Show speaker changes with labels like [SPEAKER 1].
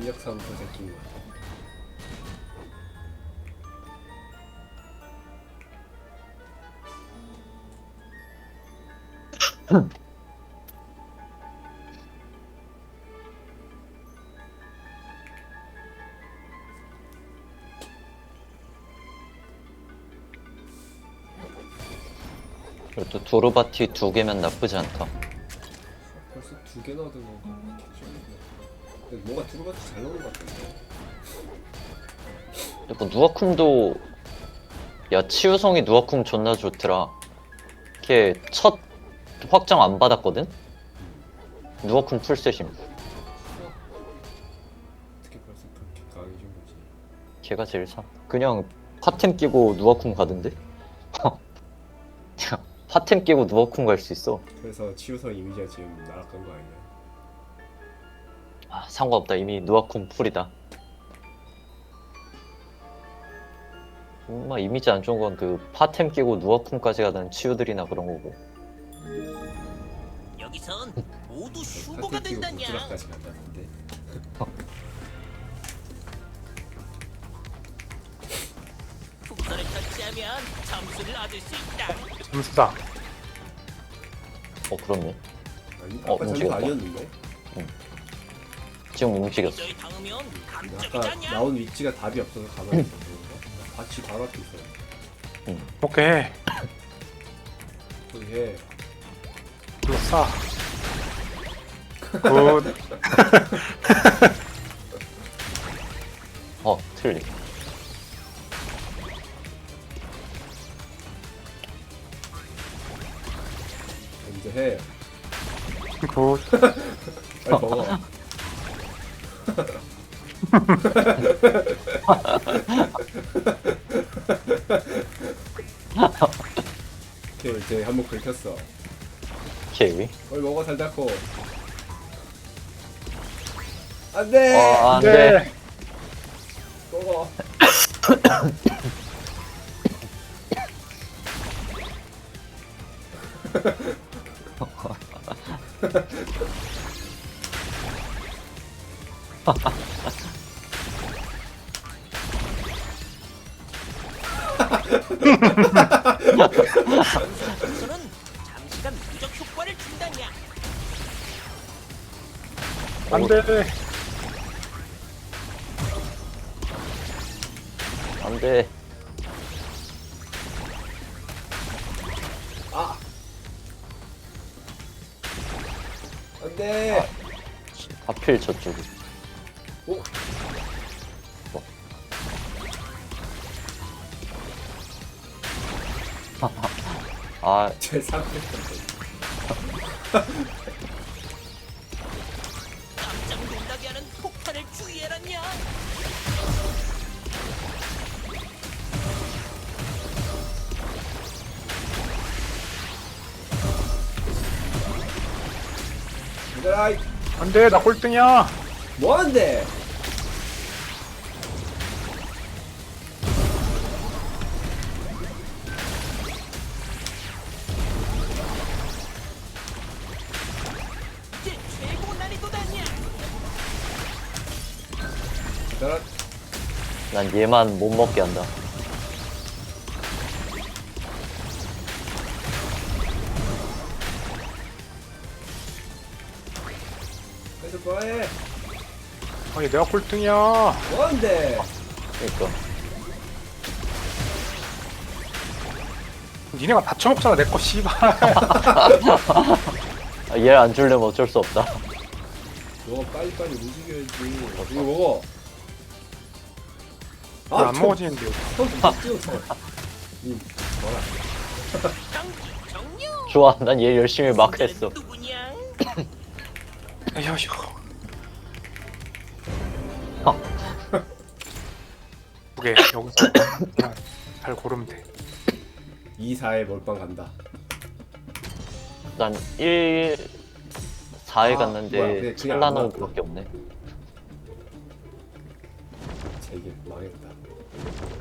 [SPEAKER 1] 전력사부터 제낀 거.
[SPEAKER 2] 그래도 두루바티 2개면 나쁘지 않다.
[SPEAKER 1] 벌써 2개나 얻은 거. 근데 뭐가 두루바티 잘 나오는 것 같은데.
[SPEAKER 2] 그리고 누아쿰도 야 치유성이 누아쿰 존나 좋더라. 걔 첫 확장 안 받았거든? 누아쿰 풀셋임.
[SPEAKER 1] 어떻게 벌써 그렇게 강해진 거지?
[SPEAKER 2] 걔가 제일 사. 그냥 파템 끼고 누아쿰 가던데? 파템 끼고 누아쿰 갈 수 있어.
[SPEAKER 1] 그래서 치유성 이미지가 지금 날아간 거 아니야?
[SPEAKER 2] 아 상관없다. 이미 누아쿰 풀이다. 이미지 안 좋은 건 그 파템 끼고 누아쿰까지 가던 치유들이나 그런 거고.
[SPEAKER 3] 여기선 모두 슈퍼가
[SPEAKER 1] 파티 끼고
[SPEAKER 3] 된다냐.
[SPEAKER 1] 부드락까지 간다는데.
[SPEAKER 3] 풍선을 터치하면 점수를 얻을 수 있다.
[SPEAKER 4] 점수다.
[SPEAKER 2] 그렇네.
[SPEAKER 1] 아니
[SPEAKER 2] 어,
[SPEAKER 1] 아까 점수
[SPEAKER 2] 움직였다.
[SPEAKER 1] 아니었는데?
[SPEAKER 2] 지금 움직였어.
[SPEAKER 3] 저희 당하면
[SPEAKER 1] 아까
[SPEAKER 3] 감점이잖냐.
[SPEAKER 1] 나온 위치가 답이 없어서 가만히 있어. 같이 바로 앞에 있어.
[SPEAKER 4] 오케이.
[SPEAKER 1] 거기 해.
[SPEAKER 4] 불사. 굿.
[SPEAKER 2] 틀리.
[SPEAKER 1] 이제 해.
[SPEAKER 4] 굿.
[SPEAKER 1] 빨리 먹어. 오케이 이제 한번 긁혔어.
[SPEAKER 2] 오케이.
[SPEAKER 1] 빨리 먹어 달달코. 안돼.
[SPEAKER 2] 안 돼.
[SPEAKER 4] 네.
[SPEAKER 1] 먹어.
[SPEAKER 3] 풍선은 잠시간 무적 효과를 준다냐.
[SPEAKER 4] 안 돼.
[SPEAKER 2] 안 돼.
[SPEAKER 1] 아. 안돼.
[SPEAKER 2] 하필 저쪽이.
[SPEAKER 1] 오.
[SPEAKER 2] 아,
[SPEAKER 1] 제 상태.
[SPEAKER 3] 깜짝 놀라게 하는 폭탄을 주의해라냐.
[SPEAKER 1] 얘들아
[SPEAKER 4] 안 돼. 나 꼴등이야.
[SPEAKER 1] 뭐하는데?
[SPEAKER 3] 이제 최고 난이도다냐.
[SPEAKER 1] 얘들아
[SPEAKER 2] 난 얘만 못 먹게 한다.
[SPEAKER 1] 계속 뭐해?
[SPEAKER 4] 아니 내가 꼴등이야.
[SPEAKER 1] 뭐하는데?
[SPEAKER 2] 그러니까.
[SPEAKER 4] 니네가 다 처먹잖아 내 거 씨발.
[SPEAKER 2] 얘를 안 주려면 어쩔 수 없다.
[SPEAKER 1] 너 빨리빨리 움직여야지. 이거 먹어.
[SPEAKER 4] 안 먹어지는데.
[SPEAKER 1] 찍어서. 뭐라?
[SPEAKER 3] 경기 종료.
[SPEAKER 2] 좋아, 난 얘 열심히 막 했어.
[SPEAKER 3] 누구냐?
[SPEAKER 4] 에휴. 오케이 여기서 그냥 잘 고르면 돼.
[SPEAKER 1] 2, 4에 몰빵 간다.
[SPEAKER 2] 난 1, 4에
[SPEAKER 1] 뭐야,
[SPEAKER 2] 갔는데
[SPEAKER 1] 그냥 안
[SPEAKER 2] 찰나노
[SPEAKER 1] 나왔구나.
[SPEAKER 2] 밖에 없네.
[SPEAKER 1] 제 이게 망했다.